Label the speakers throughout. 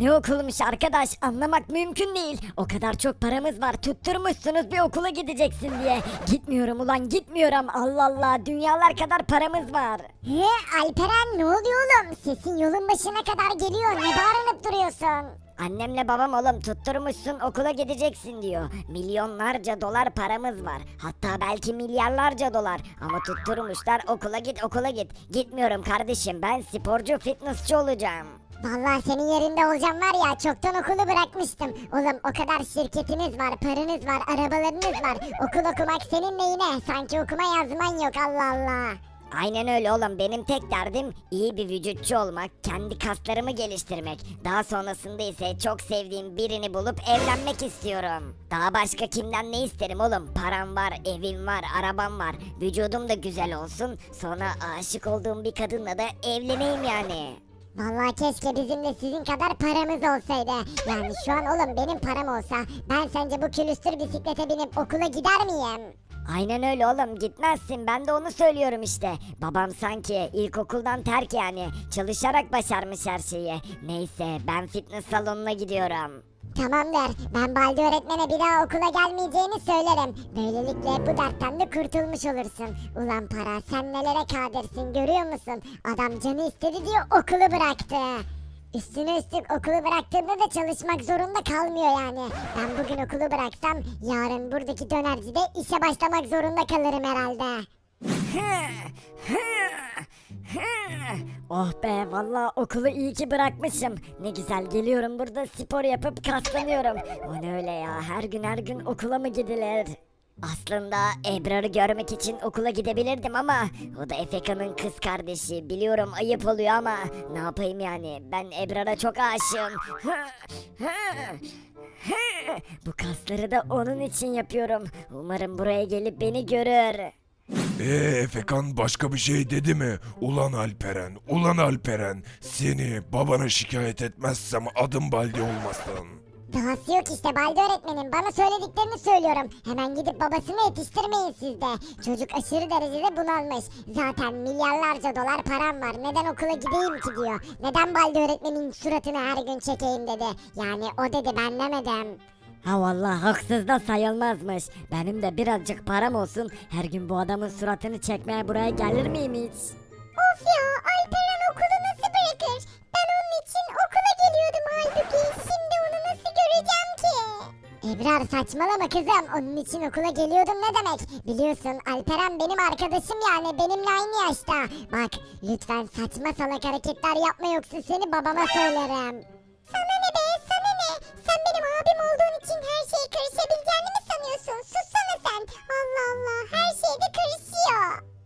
Speaker 1: Ne okulmuş arkadaş, anlamak mümkün değil. O kadar çok paramız var, tutturmuşsunuz bir okula gideceksin diye. Gitmiyorum ulan, gitmiyorum. Allah Allah, dünyalar kadar paramız var.
Speaker 2: He Alperen, ne oluyor oğlum? Sesin yolun başına kadar geliyor. Ne bağırınıp duruyorsun?
Speaker 1: Annemle babam oğlum tutturmuşsun okula gideceksin diyor. Milyonlarca dolar paramız var. Hatta belki milyarlarca dolar. Ama tutturmuşlar okula git, okula git. Gitmiyorum kardeşim, ben sporcu, fitnessçi olacağım.
Speaker 2: Vallahi senin yerinde olacağım var ya, çoktan okulu bırakmıştım. Oğlum o kadar şirketiniz var, paranız var, arabalarınız var. Okul okumak senin neyine? Sanki okuma yazman yok, Allah Allah.
Speaker 1: Aynen öyle oğlum, benim tek derdim iyi bir vücutçu olmak, kendi kaslarımı geliştirmek. Daha sonrasında ise çok sevdiğim birini bulup evlenmek istiyorum. Daha başka kimden ne isterim oğlum? Param var, evim var, arabam var. Vücudum da güzel olsun. Sonra aşık olduğum bir kadınla da evleneyim yani.
Speaker 2: Vallahi keşke bizim de sizin kadar paramız olsaydı. Yani şu an oğlum benim param olsa ben sence bu külüstür bisiklete binip okula gider miyim?
Speaker 1: Aynen öyle oğlum, gitmezsin, ben de onu söylüyorum işte. Babam sanki ilkokuldan terk yani, çalışarak başarmış her şeyi. Neyse, ben fitness salonuna gidiyorum.
Speaker 2: Tamamdır. Ben Baldi öğretmene bir daha okula gelmeyeceğini söylerim. Böylelikle bu dertten de kurtulmuş olursun. Ulan para, sen nelere kadirsin görüyor musun? Adam canı istedi diye okulu bıraktı. Üstüne üstlük okulu bıraktığında da çalışmak zorunda kalmıyor yani. Ben bugün okulu bıraksam yarın buradaki dönercide işe başlamak zorunda kalırım herhalde.
Speaker 1: Oh be, vallahi okulu iyi ki bırakmışım. Ne güzel geliyorum burada, spor yapıp kaslanıyorum. O ne öyle ya, her gün okula mı gidilir? Aslında Ebrar'ı görmek için okula gidebilirdim ama o da Efeka'nın kız kardeşi. Biliyorum ayıp oluyor ama ne yapayım yani, ben Ebrar'a çok aşığım. Bu kasları da onun için yapıyorum. Umarım buraya gelip beni görür.
Speaker 3: Efekan başka bir şey dedi mi? Ulan Alperen, ulan Alperen. Seni babana şikayet etmezsem adım Baldi olmasın.
Speaker 2: Dahası yok işte Baldi öğretmenim. Bana söylediklerini söylüyorum. Hemen gidip babasını yetiştirmeyin siz de. Çocuk aşırı derecede bunalmış. Zaten milyarlarca dolar param var. Neden okula gideyim ki diyor. Neden Baldi öğretmenin suratını her gün çekeyim dedi. Yani o dedi, ben demedim.
Speaker 1: Ha vallahi haksız da sayılmazmış. Benim de birazcık param olsun, her gün bu adamın suratını çekmeye buraya gelir miyim hiç?
Speaker 2: Of ya, Alperen okulu nasıl bırakır? Ben onun için okula geliyordum halbuki. Şimdi onu nasıl göreceğim ki? Ebrar saçmalama kızım. Onun için okula geliyordum ne demek? Biliyorsun Alperen benim arkadaşım, yani benimle aynı yaşta. Bak lütfen saçma salak hareketler yapma, yoksa seni babama söylerim. Sana ne be, sana ne? Sen benim abim olduğun için her şeye karışabileceğini mi sanıyorsun? Sussana sen. Allah Allah, her şeyde karışıyor.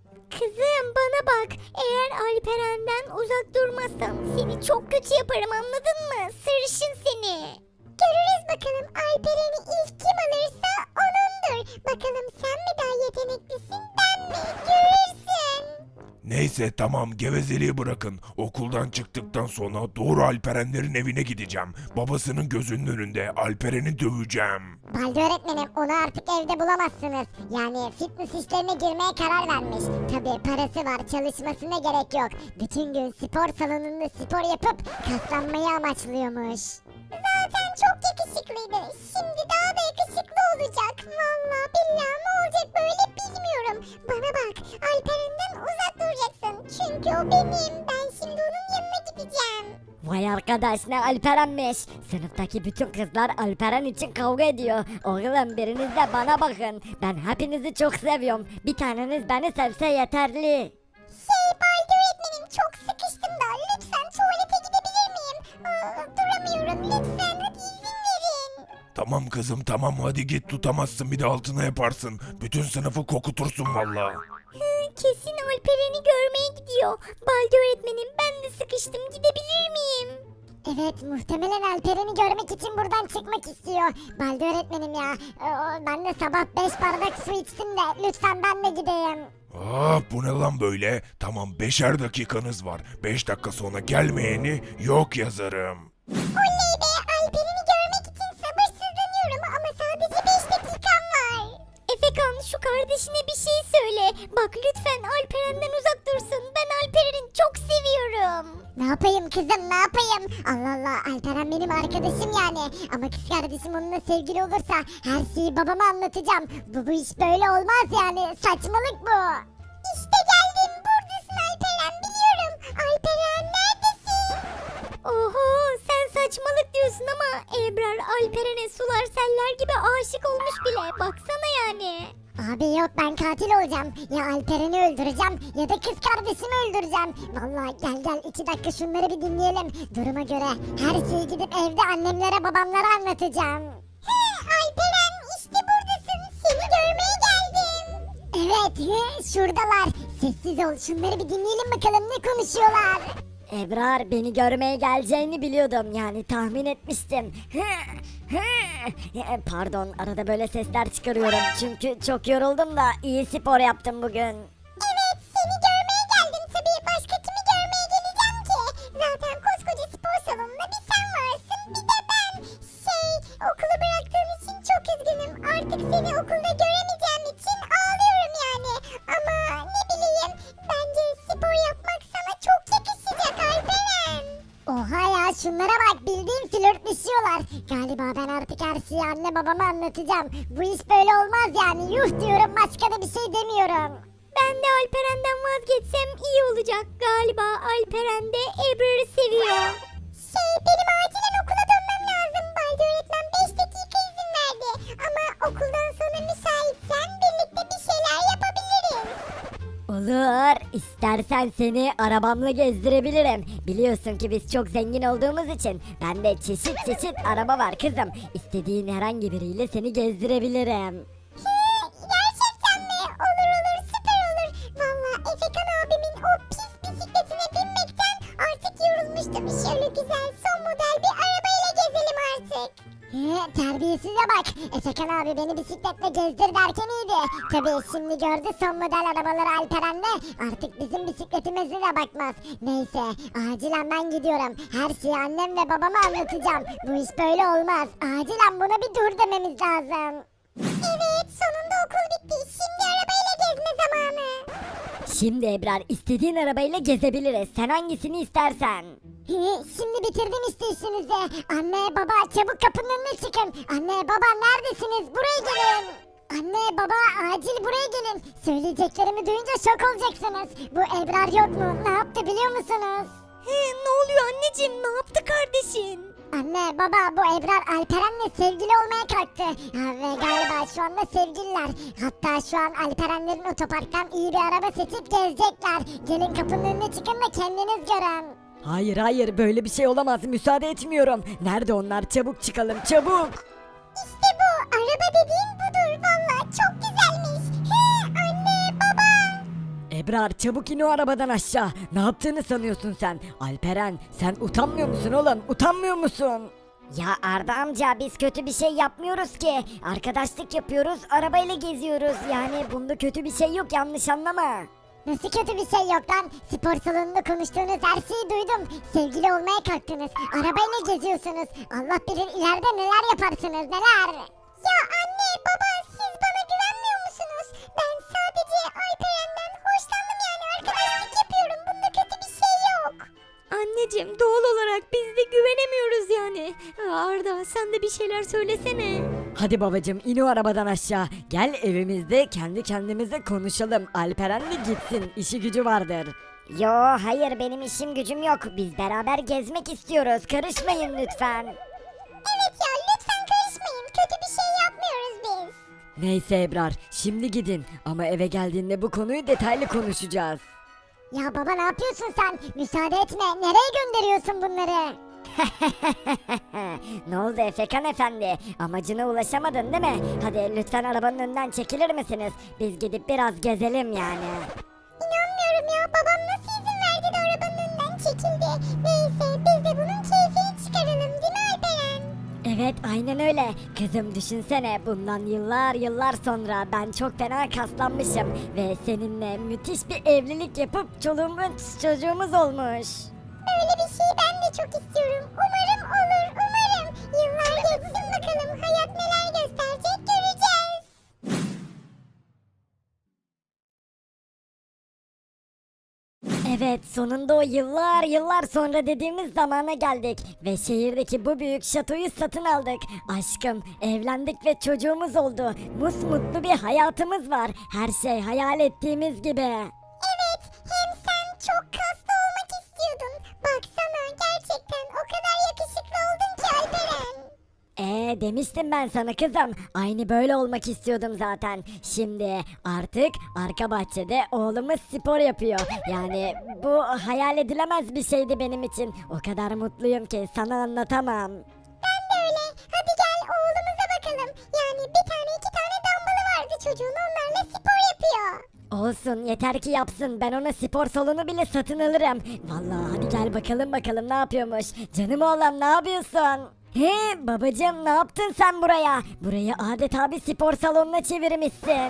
Speaker 4: Kızım bana bak. Eğer Alperen'den uzak durmazsan seni çok kötü yaparım, anladın mı? Sarışın seni.
Speaker 2: Görürüz bakalım, Alperen'i ilk kim alırsa onundur. Bakalım sen mi daha yeteneklisin, ben mi? Görürsün.
Speaker 3: Neyse tamam, gevezeliği bırakın. Okuldan çıktıktan sonra doğru Alperenlerin evine gideceğim. Babasının gözünün önünde Alperen'i döveceğim.
Speaker 2: Baldi öğretmenim, onu artık evde bulamazsınız. Yani fitness işlerine girmeye karar vermiş. Tabii parası var, çalışmasına gerek yok. Bütün gün spor salonunda spor yapıp kaslanmayı amaçlıyormuş. Zaten çok yakışıklıydı. Şimdi daha da yakışıklı olacak. Vallahi billahi ne olacak böyle bilmiyorum. Bana bak, Alperen'den uzak duracaksın. Çünkü o benim. Ben şimdi onun yanına gideceğim.
Speaker 1: Vay arkadaş, ne Alperen'miş. Sınıftaki bütün kızlar Alperen için kavga ediyor. Oğlum biriniz de bana bakın. Ben hepinizi çok seviyorum. Bir taneniz beni sevse yeterli.
Speaker 2: Baldi öğretmenim, çok sıkıştım da lütfen tuvalete gidebilir miyim? Duramıyorum, lütfen hadi izin verin.
Speaker 3: Tamam kızım tamam, hadi git, tutamazsın bir de altına yaparsın. Bütün sınıfı kokutursun valla.
Speaker 4: Kesin Alperen'i görmeye gidiyor. Baldi öğretmenim, ben de sıkıştım, gidebilir miyim?
Speaker 2: Evet, muhtemelen Alperen'i görmek için buradan çıkmak istiyor. Baldi öğretmenim ya, ben de sabah 5 bardak su içtim de lütfen ben de gideyim.
Speaker 3: Bu ne lan böyle? Tamam, 5'er dakikanız var. 5 dakika sonra gelmeyeni yok yazarım.
Speaker 2: Oley be, Alperen'i görmek için sabırsızlanıyorum ama sadece 5 dakikam var.
Speaker 4: Efekan, şu kardeşine bir şey söyle. Bak lütfen Alperen'den uzak dursun. Ben Alperen'i çok seviyorum.
Speaker 2: Ne yapayım kızım, ne yapayım? Allah Allah, Alperen benim arkadaşım yani. Ama kız kardeşim onunla sevgili olursa her şeyi babama anlatacağım. Bu iş böyle olmaz yani, saçmalık bu. İşte geldim, buradasın Alperen, biliyorum. Alperen neredesin?
Speaker 4: Oho sen saçmalık diyorsun ama Ebrar Alperen'e sular seller gibi aşık olmuş bile. Baksana yani.
Speaker 2: Abi yok, ben katil olacağım. Ya Alperen'i öldüreceğim ya da kız kardeşimi öldüreceğim. Vallahi gel 2 dakika şunları bir dinleyelim. Duruma göre her şeyi gidip evde annemlere babamlara anlatacağım. He Alperen, işte buradasın. Seni görmeye geldim. Evet şuradalar. Sessiz ol, şunları bir dinleyelim bakalım ne konuşuyorlar.
Speaker 1: Ebrar, beni görmeye geleceğini biliyordum, yani tahmin etmiştim. Pardon, arada böyle sesler çıkarıyorum çünkü çok yoruldum da iyi spor yaptım bugün.
Speaker 2: Evet, seni görmeye geldim tabii. Başka kimi görmeye geleceğim ki? Zaten koskoca spor salonunda bir sen varsın, bir de ben. Okulu bıraktığın için çok üzgünüm. Artık seni okulda göremeyeceğim için ağlıyorum yani. Ama ne bileyim, bence spor yapmak sana çok yakışacak Alperen. Oha ya, şunlara bak, bildiğin flörtleşiyorlar. Galiba ben artık her şeyi anne babama anlatacağım. Bu iş böyle olmaz yani, yuh diyorum, başka da bir şey demiyorum.
Speaker 4: Ben de Alperen'den vazgeçsem iyi olacak. Galiba Alperen de Ebrar'ı seviyor.
Speaker 2: Benim acilen okula dönmem lazım. Baldi öğretmen 5 dakika izin verdi. Ama okuldan sonra müsaitsen birlikte bir şeyler yapabiliriz.
Speaker 1: Olur, istersen seni arabamla gezdirebilirim. Biliyorsun ki biz çok zengin olduğumuz için bende çeşit çeşit araba var kızım. İstediğin herhangi biriyle seni gezdirebilirim.
Speaker 2: Gerçekten mi? Olur, süper olur. Valla Efekan abimin o pis bisikletine binmekten artık yorulmuştum. Şöyle güzel son model bir arabayla gezelim artık. Terbiyesize bak. Efekan abi beni bisikletle gezdir derken iyiydi. Tabii şimdi gördü son model arabaları Alperen'le. Artık bizim bisikletimize de bakmaz. Neyse, acilen ben gidiyorum. Her şeyi annem ve babama anlatacağım. Bu iş böyle olmaz. Acilen buna bir dur dememiz lazım. Evet, sonunda okul bitti. Şimdi arabayla gezme zamanı.
Speaker 1: Şimdi Ebrar, istediğin arabayla gezebiliriz. Sen hangisini istersen.
Speaker 2: Şimdi bitirdim işte işinizi. Anne baba çabuk kapının önüne çıkın. Anne baba neredesiniz? Buraya gelin. Anne baba acil buraya gelin. Söyleyeceklerimi duyunca şok olacaksınız. Bu Ebrar yok mu? Ne yaptı biliyor musunuz?
Speaker 4: Ne oluyor anneciğim? Ne yaptı kardeşin?
Speaker 2: Anne baba, bu Ebrar Alperen'le sevgili olmaya kalktı. Ve galiba şu anda sevgililer. Hatta şu an Alperenlerin otoparktan iyi bir araba seçip gezecekler. Gelin kapının önüne çıkın da kendiniz görün.
Speaker 5: Hayır böyle bir şey olamaz, müsaade etmiyorum. Nerede onlar, çabuk çıkalım çabuk.
Speaker 2: İşte bu araba dediğim budur. Valla çok güzelmiş. Anne baba.
Speaker 5: Ebrar çabuk in o arabadan aşağı. Ne yaptığını sanıyorsun sen? Alperen sen utanmıyor musun oğlum, utanmıyor musun?
Speaker 1: Ya Arda amca, biz kötü bir şey yapmıyoruz ki. Arkadaşlık yapıyoruz, arabayla geziyoruz. Yani bunda kötü bir şey yok, yanlış anlama.
Speaker 2: Nasıl kötü bir şey yok lan? Spor salonunda konuştuğunuz her şeyi duydum. Sevgili olmaya kalktınız. Arabayla geziyorsunuz. Allah bilir ileride neler yaparsınız, neler. Ya anne baba, siz bana güvenmiyor musunuz? Ben sadece Alperen'den hoşlandım yani, arkadaşlık yapıyorum. Bunda kötü bir şey yok.
Speaker 4: Anneciğim doğal olarak biz de güvenemiyoruz yani. Arda sen de bir şeyler söylesene.
Speaker 5: Hadi babacım in o arabadan aşağı. Gel evimizde kendi kendimize konuşalım. Alperen de gitsin, işi gücü vardır.
Speaker 1: Yo, hayır, benim işim gücüm yok. Biz beraber gezmek istiyoruz. Karışmayın lütfen.
Speaker 2: Evet ya, lütfen karışmayın. Kötü bir şey yapmıyoruz biz.
Speaker 5: Neyse Ebrar, şimdi gidin ama eve geldiğinde bu konuyu detaylı konuşacağız.
Speaker 2: Ya baba, ne yapıyorsun sen? Müsaade etme. Nereye gönderiyorsun bunları?
Speaker 1: Ne oldu Efekan efendi? Amacına ulaşamadın değil mi? Hadi lütfen arabanın önünden çekilir misiniz? Biz gidip biraz gezelim yani.
Speaker 2: İnanmıyorum ya. Babam nasıl izin verdi de arabanın önünden çekildi? Neyse, biz de bunun keyfini çıkaralım değil mi Alperen?
Speaker 1: Evet, aynen öyle. Kızım düşünsene, bundan yıllar sonra ben çok fena kaslanmışım. Ve seninle müthiş bir evlilik yapıp çoluğumuz çocuğumuz olmuş.
Speaker 2: Öyle bir şey ben de çok istiyorum. Umarım olur, umarım. Yıllar geçsin bakalım. Hayat neler gösterecek göreceğiz.
Speaker 1: Evet,
Speaker 5: Evet, sonunda o yıllar sonra dediğimiz zamana geldik ve şehirdeki bu büyük şatoyu satın aldık. Aşkım, evlendik ve çocuğumuz oldu. Musmutlu bir hayatımız var. Her şey hayal ettiğimiz gibi.
Speaker 2: Evet, hem sen çok kaslı olmak istiyordun. Baksana, gerçekten o kadar yakışıklı oldun ki Alperen.
Speaker 5: Demiştim ben sana kızım. Aynı böyle olmak istiyordum zaten. Şimdi artık arka bahçede oğlumuz spor yapıyor. Yani bu hayal edilemez bir şeydi benim için. O kadar mutluyum ki sana anlatamam.
Speaker 2: Ben de öyle. Hadi gel oğlumuza bakalım. Yani bir tane iki tane dumbbell'ı vardı çocuğun, onlarla spor yapıyor.
Speaker 5: Olsun, yeter ki yapsın. Ben ona spor salonu bile satın alırım. Vallahi hadi gel bakalım ne yapıyormuş. Canım oğlum, ne yapıyorsun? He babacığım, ne yaptın sen buraya? Burayı adeta bir spor salonuna çevirmişsin.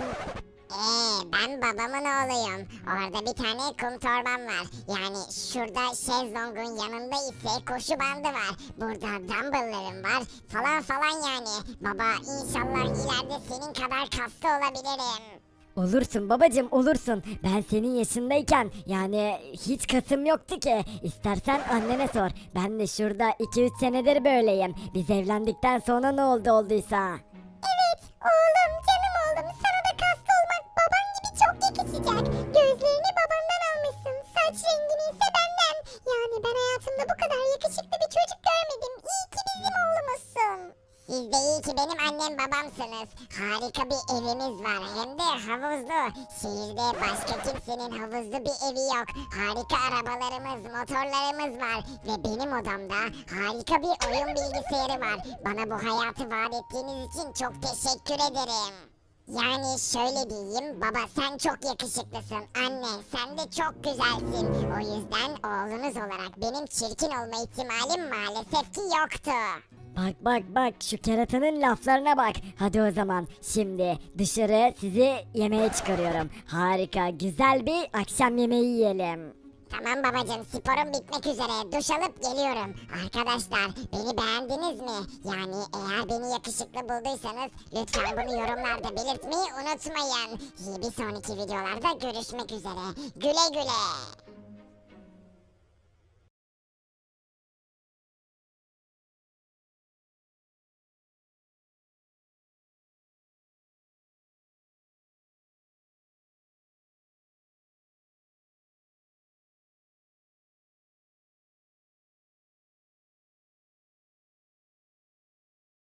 Speaker 2: Ben babamın oğluyum. Orada bir tane kum torbam var. Yani şurada şezlongun yanında ise koşu bandı var. Burada dumbbelllarım var falan yani. Baba, inşallah ileride senin kadar kaslı olabilirim.
Speaker 5: Olursun babacığım, olursun. Ben senin yaşındayken yani hiç kasım yoktu ki. İstersen annene sor. Ben de şurada 2-3 senedir böyleyim. Biz evlendikten sonra ne olduysa.
Speaker 2: Evet oğlum, canım oğlum, sana da kaslı olmak baban gibi çok yakışacak. Gözlerini babandan almışsın, saç rengini ise benden. Yani ben hayatımda bu kadar yakışıklı bir çocuk görmedim. İyi ki bizim oğlumuzsun. Siz de iyi ki benim annem babamsınız. Harika bir evimiz var, hem de havuzlu. Şehirde başka kimsenin havuzlu bir evi yok. Harika arabalarımız, motorlarımız var. Ve benim odamda harika bir oyun bilgisayarı var. Bana bu hayatı vaat ettiğiniz için çok teşekkür ederim. Yani şöyle diyeyim, baba sen çok yakışıklısın, anne sen de çok güzelsin. O yüzden oğlunuz olarak benim çirkin olma ihtimalim maalesef ki yoktu.
Speaker 5: Bak şu keratanın laflarına bak. Hadi o zaman şimdi dışarı sizi yemeğe çıkarıyorum. Harika güzel bir akşam yemeği yiyelim.
Speaker 2: Tamam babacığım, sporum bitmek üzere, duş alıp geliyorum. Arkadaşlar, beni beğendiniz mi? Yani eğer beni yakışıklı bulduysanız lütfen bunu yorumlarda belirtmeyi unutmayın. Bir sonraki videolarda görüşmek üzere. Güle güle.